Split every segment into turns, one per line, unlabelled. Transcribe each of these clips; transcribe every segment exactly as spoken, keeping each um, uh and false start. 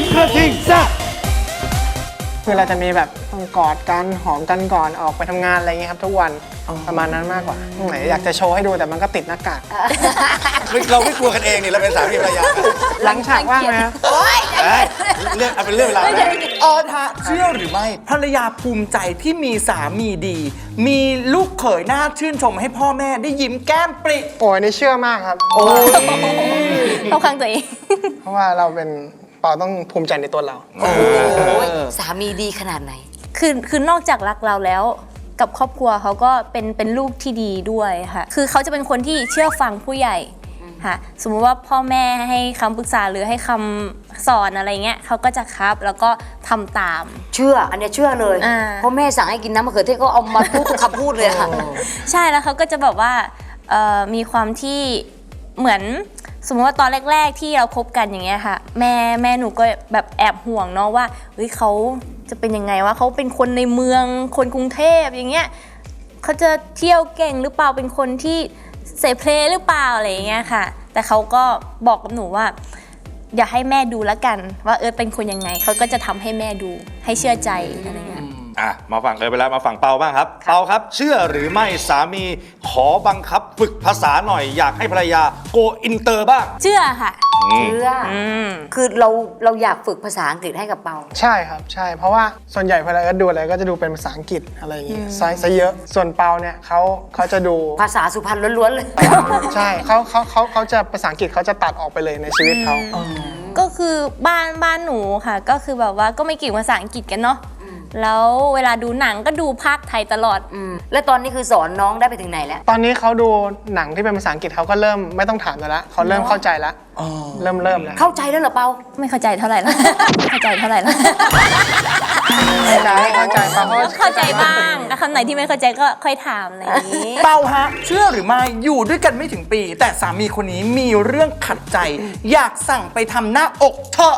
กระทิงแซ่บ
คือเราจะมีแบบต้องกอดกันหอมกันก่อนออกไปทำงานอะไรเงี้ยครับทุกวันประมาณนั้นมากกว่าไหนอยากจะโชว์ให้ดูแต่มันก็ติดหน้ากาก
เราไม่กลัวกันเองนี่เราเป็นสามีภรรยา
หลังฉากว่างไหมครับ
เรื่องเอาเป็นเรื่องเวลาไหม
ออฮะเชื่อหรือไม่ภรรยาภูมิใจที่มีสามีดี มีลูกเขยน่าชื่นชมให้พ่อแม่ได้ยิ้มแก้มปริ
โอ้ยนี่เชื่อมากครับ
โอ้ย
เข้าข้างตัวเอง
เพราะว่าเราเป็นเปาต้องภูมิใจในตัวเรา
สามีดีขนาดไหน
คือคือนอกจากรักเราแล้วกับครอบครัวเขาก็เป็นเป็นลูกที่ดีด้วยค่ะ คือเขาจะเป็นคนที่เชื่อฟังผู้ใหญ่ค่ะสมมุติว่าพ่อแม่ให้คำปรึกษาหรือให้คำสอนอะไรเงี้ยเขาก็จะครับแล้วก็ทำตาม
เชื่ออันเนี้ยเชื่อเลย
อ่า
เพราะแม่สั่งให้กินน้ำมะเขือเทศก็เอามาพูดทุกคำพูดเลยค่ะ
ใช่แล้วเขาก็จะแบบว่าเอ่อมีความที่เหมือนสมมติว่าตอนแรก ๆ ที่เราคบกันอย่างเงี้ยค่ะแม่แม่หนูก็แบบแอบห่วงเนาะว่าเฮ้ยเขาจะเป็นยังไงว่าเขาเป็นคนในเมืองคนกรุงเทพอย่างเงี้ยเขาจะเที่ยวเก่งหรือเปล่าเป็นคนที่เสพเพลหรือเปล่าอะไรอย่างเงี้ยค่ะแต่เขาก็บอกกับหนูว่าอย่าให้แม่ดูแล้วกันว่าเออเป็นคนยังไงเขาก็จะทำให้แม่ดูให้เชื่อใจอะไรเงี้ย
อ่ะมาฝั่งเอิร์ธไปแล้วมาฝั่งเปาบ้างครับเปาครับเชื่อหรือไม่สามีขอบังคับฝึกภาษาหน่อยอยากให้ภรรยาโกอินเตอร์บ้าง
เชื่อค่ะ
เชื่ออคือเราเราอยากฝึกภาษาอังกฤษให้กับเปา
ใช่ครับใช่เพราะว่าส่วนใหญ่เวลาเอิร์ธดูอะไรก็จะดูเป็นภาษาอังกฤษอะไรอย่างเงี้ยซะซะเยอะส่วนเปาเนี่ยเขาเขาจะดู
ภาษาสุพรรณล้วนๆเลย
ใช่เขาเขาเขาเขาจะภาษาอังกฤษเขาจะตัดออกไปเลยในชีวิตเขา
ก็คือบ้านบ้านหนูค่ะก็คือแบบว่าก็ไม่เก่งภาษาอังกฤษกันเนาะแล้วเวลาดูหนังก็ดูภาคไทยตลอด
อืมแล้วตอนนี้คือสอนน้องได้ไปถึงไหนแล้ว
ตอนนี้เขาดูหนังที่เป็นภาษาอังกฤษเขาก็เริ่มไม่ต้องถามแล้วเขาเริ่มเข้าใจแล้วเริ่มเริ่มแล้ว
เข้าใจแล้วเหรอเปา
ไม่เข้าใจเท่าไหร่ละ ไม่เข้าใจเท่าไหร่ละ
เข้าใจเข้าใจเปาเขา
เข้าใจบ้างแต่คำไหนที่ไม่เข้าใจก็ค่อยถามอะไรอย่างนี้
เปาฮะเชื่อหรือไม่อยู่ด้วยกันไม่ถึงปี แต่สามีคนนี้มีเรื่องขัดใจ อยากสั่งไปทำหน้าอกเถอะ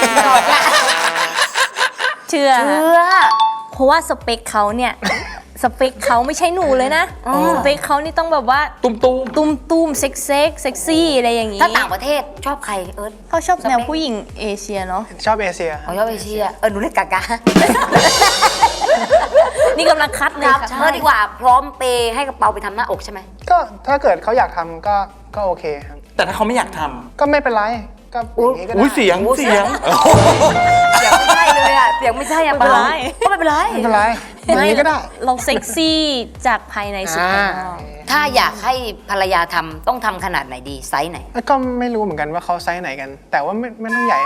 เชื่อ
เชื่อ
เพราะว่าสเปคเขาเนี่ย สเปคเขาไม่ใช่หนูเลยนะสเปคเขานี่ต้องแบบว่า
ตุ้มตุ้ม
ตุ้มตุ้มเซ็กเซ็กเซ็กซี่อะไรอย่างนี้
ถ้าต่างประเทศชอบใครเอิร์ธ
เขาชอบแนวผู้หญิงเอเชียเนาะ
ชอบเอเชีย
อ๋อชอบเอเชียเออหนูเรียกกากา
นี่กำลังคัดเลยค่ะ
เออดีกว่าพร้อมเปย์ให้กับเปาไปทำหน้าอกใช่ไหม
ก็ถ้าเกิดเขาอยากทำก็ก็โอเคครับ
แต่ถ้าเขาไม่อยากท
ก็ไม่เป็นไรก็อย่างนี้ก็
ำ
ได้
อุ้ยเสียงเสียง
เสียงไม่ใช่เลยอะเสียงไม่ใช่อะเปาก็ไม่เป็นไร
ไม่เป็นไรอย่างนี้ก็ได้
เราเซ็กซี่จากภายในสู่ภายนอก
ถ้าอยากให้ภรรยาทำต้องทำขนาดไหนดีไซส์ไหน
ก็ไม่รู้เหมือนกันว่าเขาไซส์ไหนกัน แต่ว่าไม่ไม่ต้องใหญ่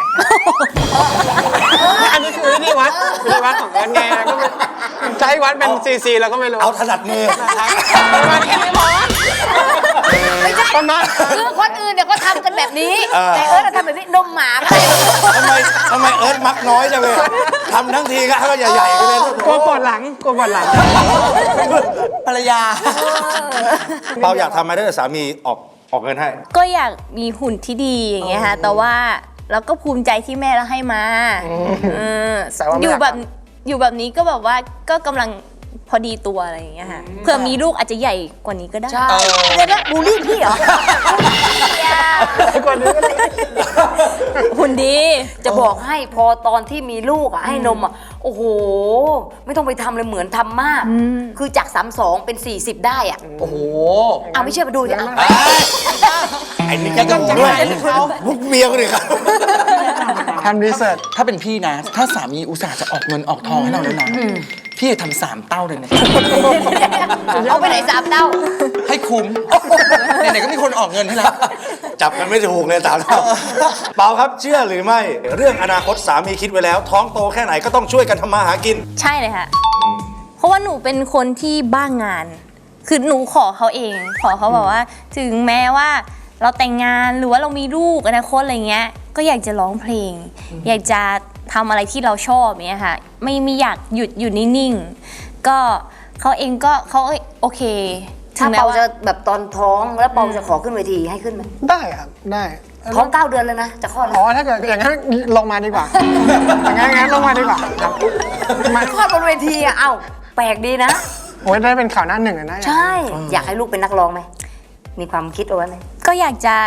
อันนี้คือวิธีวัดวิธีวัดของวัดไงก็จะให้วัดเป็นซีซีเราก็ไม่รู้
เอาถนัดมือ
ประมาณแค่นี้พอประมาณ
คือคนอื่นเนี่ยก็ทำกันแบบนี้ แต่เอิร์ธทำแบบนี้นมหมาก็ได้
ทำไมทำไมเอิร์ธมักน้อยจังเลยทำทั้งทีก็ให้มันใหญ่ๆไปเลย
กลัวปวดหลังกลัวปวดหลัง
ภรรยา
เปาอยากทำไหมถ้าเกิดสามีออกออกเงินให้
ก็อยากมีหุ่นที่ดีอย่างเงี้ยค่ะแต่ว่าเราก็ภูมิใจที่แม่เราให้มาเออ
แต่ว่าไม่
อยู่
อยาก
แบบ
ท
อยู่แบบนี้ก็แบบว่าก็กำลังพอดีตัวอะไรอย่างเงี้ยค่ะเผื่อมีลูกอาจจะใหญ่กว่านี้ก็ได้
ใช่เลยนะบูลลี่พี่เหรอ
กว่านี้ก็ได้
หุ่นดี
จะบอกให้พอตอนที่มีลูกอ่ะให้นมอ่ะโอ้โห ไม่ต้องไปทำเลยเหมือนทำมาก คือจากสามสองเป็นสี่สิบได้อ่ะ
โอ้โห
เอาไม่เชื่อไปดูสิเอา
ไอ้นี่ก็ต้องด้วยมุกเมียคนอื่นครับ
ทำรีเสิร์ช
ถ้าเป็นพี่นะ ถ้าสามีอุตส่าห์จะออกเงินออกทองให้เราแล้วนะพี่จะทำสามเต้าเลยนะ
เอาไปไหนสามเต้า
ให้คุ้มไหนๆก็มีคนออกเงินให้แล้ว
จับกันไม่ถูกเลยสามเท่าเปาครับเชื่อหรือไม่ เรื่องอนาคตสามีคิดไว้แล้ว ท้องโตแค่ไหนก็ต้องช่วยกันทำมาหากิน
ใช่เลยค่ะ เพราะว่าหนูเป็นคนที่บ้างงาน คือหนูขอเขาเอง ขอเขาแบบว่า ถึงแม้ว่าเราแต่งงานหรือว่าเรามีลูกอนาคตอะไรเงี้ย ก็อยากจะร้องเพลง อยากจะทำอะไรที่เราชอบเนี้ยค่ะ ไม่ไม่อยากหยุดอยู่นิ่งๆ ก็เขาเองก็เขาโอเค
ถ้า
แม้
เปา
ว่า
จะแบบตอนท้องแล้วเปาจะขอขึ้นเวทีให้ขึ้นไหม
ได้ครับได้
ท้องเก้าเดือนแล้วนะจะคลอดแล้
อ๋อ
ว
ถ้าเกิดอย่างนั้นลงมาดีกว่าอย่างนั้นงั้นลงมาดีกว่าครับมา
คลอดบนเวทีอ่ะเอ้าแปลกดีนะ
โอ้ยได้เป็นข่าวหน้าหนึ่งเลยนะ
ใช่ อยากให้ลูกเป็นนักร้องไหมมีความคิดเอาไว้ไหม
ก็อยากจะ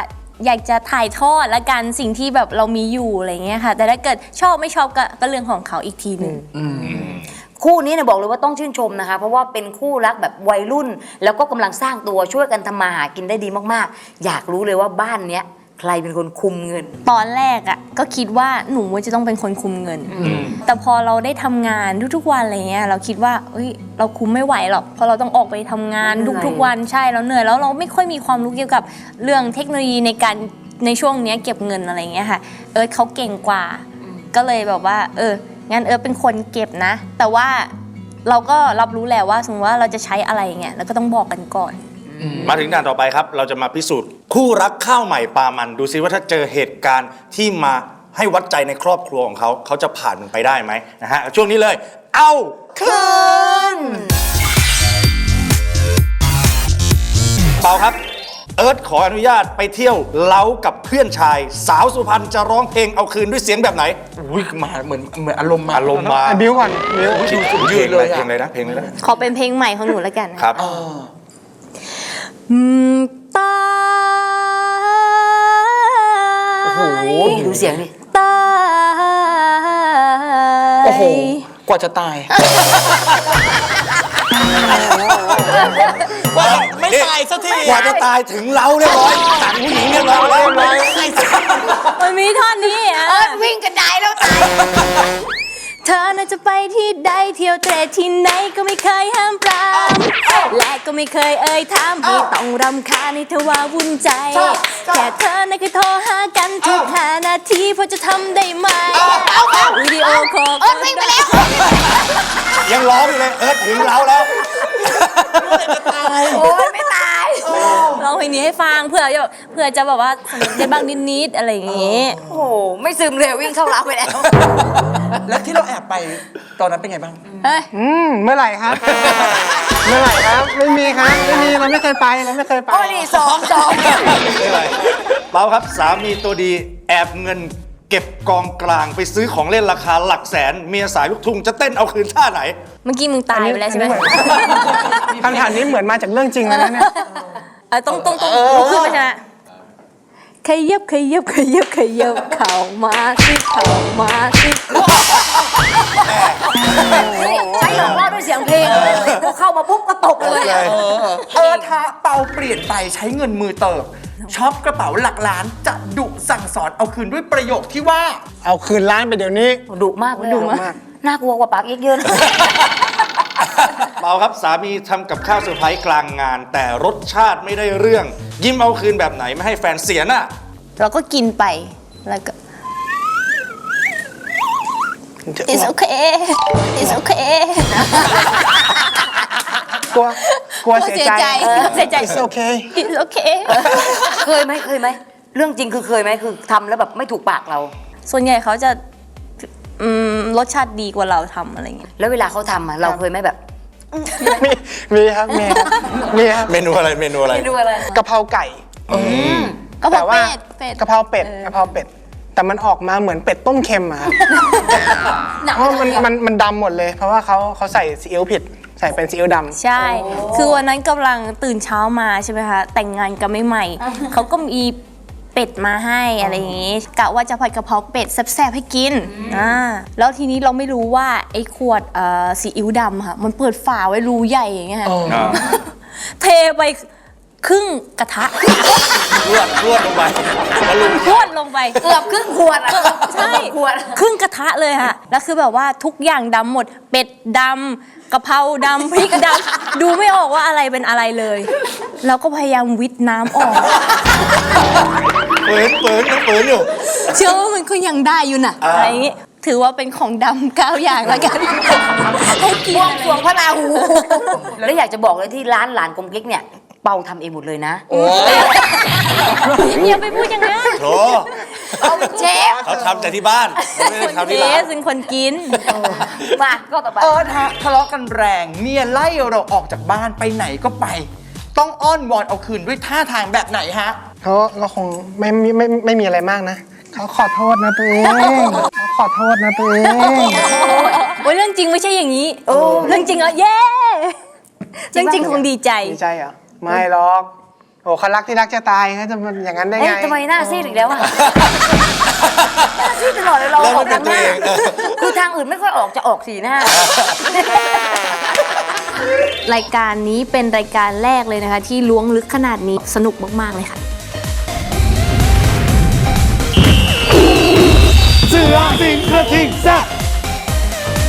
อยากจะถ่ายทอดละกันสิ่งที่แบบเรามีอยู่อะไรเงี้ยค่ะ แต่ถ้าเกิดชอบไม่ชอบก็ก็เรื่องของเขาอีกทีหนึ่ง
คู่นี้เนี่ยบอกเลยว่าต้องชื่นชมนะคะ เพราะว่าเป็นคู่รักแบบวัยรุ่น แล้วก็กำลังสร้างตัวช่วยกันทำมาหากินได้ดีมากๆ อยากรู้เลยว่าบ้านเนี้ยใครเป็นคนคุมเงิน
ตอนแรกอ่ะก็คิดว่าหนูจะต้องเป็นคนคุมเงิน แต่พอเราได้ทำงานทุกๆวันอะไรเงี้ยเราคิดว่าเอ้ยเราคุมไม่ไหวหรอกเพราะเราต้องออกไปทำงาน
เหนื่อย
ทุกๆวันใช่เราเหนื่อยแล้วเราไม่ค่อยมีความรู้เกี่ยวกับเรื่องเทคโนโลยีในการในช่วงเนี้ยเก็บเงินอะไรเงี้ยค่ะเอิร์ธเขาเก่งกว่า ก็เลยแบบว่าเอองั้นเอิร์ธเป็นคนเก็บนะ แต่ว่าเราก็รับรู้แล้วว่าสมมติว่าเราจะใช้อะไรเงี้ยเราก็ต้องบอกกันก่อน
มาถึงด่านต่อไปครับ เราจะมาพิสูจน์คู่รักข้าวใหม่ปลามัน ดูซิว่าถ้าเจอเหตุการณ์ที่มาให้วัดใจในครอบครัวของเขา เขาจะผ่านมันไปได้ไหมนะฮะ ช่วงนี้เลย เอาคืนเปาครับ เอิร์ธขออนุญาตไปเที่ยวเล้ากับเพื่อนชาย สาวสุพรรณจะร้องเพลงเอาคืนด้วยเสียงแบบไหน
อุ้ยมาเหมือนเหมือนอารมณ์มา
อารมณ์มา
อ่ะบิวก่อนบิว
ยืนเลยเพลงเลยนะเพลงเลยนะ
ขอเป็นเพลงใหม่ของหนูแล้วกัน
ครับ
อืมตา
โอ้โหดูเสียงดิ
ตาย
โอ้โห กว่าจะตาย กว่าจะไม่ตายสักที
กว่าจะตายถึงเราเรียบร้อยสั่งผู้หญิงเรียบร้อยแล้ว
มันมีท่อนนี้อ่ะ
วิ่งกันได้แล้วตาย
เธอน่าจะไปที่ใดเที่ยวเตะที่ไหนก็ไม่เคยห้ามปรามและก็ไม่เคยเอ่ยถามให้ต้องรำคาญให้เธอว่าวุ่นใจ แค่เธอน่ะเคยโทรหากันทุกห้านาทีพอจะทำได้ไหมวิดีโอคอลก็ได้
ยังร้องอยู่เลยเอิร์ธถึงเราแล้ว
โอ้ยไม่ตาย
ร้องเพลงนี้ให้ฟังเพื่อจะเพื่อจะแบบว่าสนุกได้บ้างนิดๆอะไรอย่างงี้
โอ้โหไม่ซึมเลยวิ่งเข้าร้านไปแล้ว
แล้วที่เราแอบไปตอนนั้นเป็นไงบ้าง
เฮ้ย
อืมเมื่อไหร่ครับ เมื่อไหร่ครับ ไม่มีครับ ไม่มี เราไม่เคยไป เราไม่เคยไป
โอ้ยนี่สองสอง
เปาครับสามีตัวดีแอบเงินเก็บกองกลางไปซื้อของเล่นราคาหลักแสน เมียสายลูกทุ่งจะเต้นเอาคืนท่าไหน
เมื่อกี้มึงตายไปแล้วใช่ไหม
คำถามนี้เหมือนมาจากเรื่องจริงเลยนะเนี่ย
เออต้องต้องต้องลุกขึ้นมาใช่ไหมขยับขยับขยับขยับเข่ามาสิเข่ามาสิ
ใช้หลอกล่อด้วยเสียงเพลงพอเข้ามาปุ๊บก็ตกเลยอะ
เออถ้าเปาเปลี่ยนไปใช้เงินมือเติบช็อปกระเป๋าหลักล้านจะดุสั่งสอนเอาคืนด้วยประโยคที่ว่า
เอาคืนร้านไปเดี๋ยวนี้
ดุมากเลย
ดุ
อะ
มาก
น่ากลัวกว่าปากเอกเยอะนะ
เปาครับสามีทำกับข้าวเซอร์ไพรส์กลางงาน แต่รสชาติไม่ได้เรื่อง ยิ้มเอาคืนแบบไหนไม่ให้แฟนเสียน่ะ
เราก็กินไปแล้วก็ it's okay it's okay
กลัว กลัวเสียใจ
เสียใจ
It's okay
it's okay
เคยไหมเคยไหมเรื่องจริงคือเคยไหมคือทำแล้วแบบไม่ถูกปากเรา
ส่วนใหญ่เขาจะอืมรสชาติดีกว่าเราทำอะไรเงี้ย
แล้วเวลาเขาทำอะเราเคยไหมแบบ
มี มีครับ มีครับมีครับ
เมนูอะไรเมนูอะไร
ไม่ดูอะไร
กะเพราไก่
ก็เพ
แต่
ราะ
ว่า
เป็ดเป็ด
กะเพราเป็ดกะเพราเป็ด แต่มันออกมาเหมือนเป็ดต้มเค็มอะครับ
หนัก
เพราะมันมันมันดำหมดเลย เพราะว่าเขาเขาใส่ซีอิ๊วผิด ใส่เป็นซีอิ๊วดำ
ใช่ คือวันนั้นกำลังตื่นเช้ามาใช่ไหมคะ แต่งงานกันใหม่ๆ เขาก็มีเป็ดมาให้อะไรอย่างงี้ กะว่าจะผัดกะเพราเป็ดแซ่บๆให้กิน อ่า แล้วทีนี้เราไม่รู้ว่าไอ้ขวดเอ่อซีอิ๊วดำค่ะ มันเปิดฝาไว้รูใหญ่อย่างเงี้ยค่ะ เทไปครึ่งกระทะ
รวดรวดลงไปมาลุม
พรวดลงไป
เกือบครึ่งขวดอะ
ใช่
ขวด
ครึ่งกระทะเลยค่ะ แล้วคือแบบว่าทุกอย่างดำหมด เป็ดดำกะเพราดำพริกดำดูไม่ออกว่าอะไรเป็นอะไรเลย แล้วก็พยายามวิทน้ำออก
เปิดเปิดยังเปิดอยู่
เชื่อว่ามันก็ยังได้อยู่น่ะ
อ่า
อะไรอย่างงี้ ถือว่าเป็นของดำเก้าอย่างแล้วกัน ให้กิน
บวง
อะไร
สรวงพระราหู แล้วอยากจะบอกเลยที่ร้านหลานกลมกิ๊กเนี่ยเปาทำเองหมดเลยนะ
อย่าไปพูดอย่างนั้น
โถ
เอาเป็นเชฟ
เขาทำแต่ที่บ้านเขาไม่ได้
คน
ทำ
เท
ที่ร้าน
สเป็นคนกิน
มาก็ต่อไป
เออทะทะเลาะกันแรงเมียไล่เราออกจากบ้านไปไหนก็ไป ต้องอ้อนวอนเอาคืนด้วยท่าทางแบบไหนฮะ
เขาก็คงไม่ไม่ไม่ไม่มีอะไรมากนะ เขาขอโทษนะตัวเองเขาขอโทษนะตัวเอง
โอ้ยเรื่องจริงไม่ใช่อย่างนี้เรื่องจริงอ่ะเย้เรื่องจริงคงดีใจ
ดีใจเหรอ ไม่หรอกโอ้เขารักที่รักจะตายเขาจะมันอย่างนั้นได้
เอ้
ไง
ยทำไมหน้าซีดอีกแล้วอะ หน้าซีดตลอดเลยเรา
เริ่ม
ออก
ไม่เป็
ทาน งหน้า
ตัวเอง
คือทางอื่นไม่ค่อยออกจะออกสีหน้า
รายการนี้เป็นรายการแรกเลยนะคะ ที่ล้วงลึกขนาดนี้สนุกมากๆเลยค่ะ
เสือสิงกระทิงแซ่บ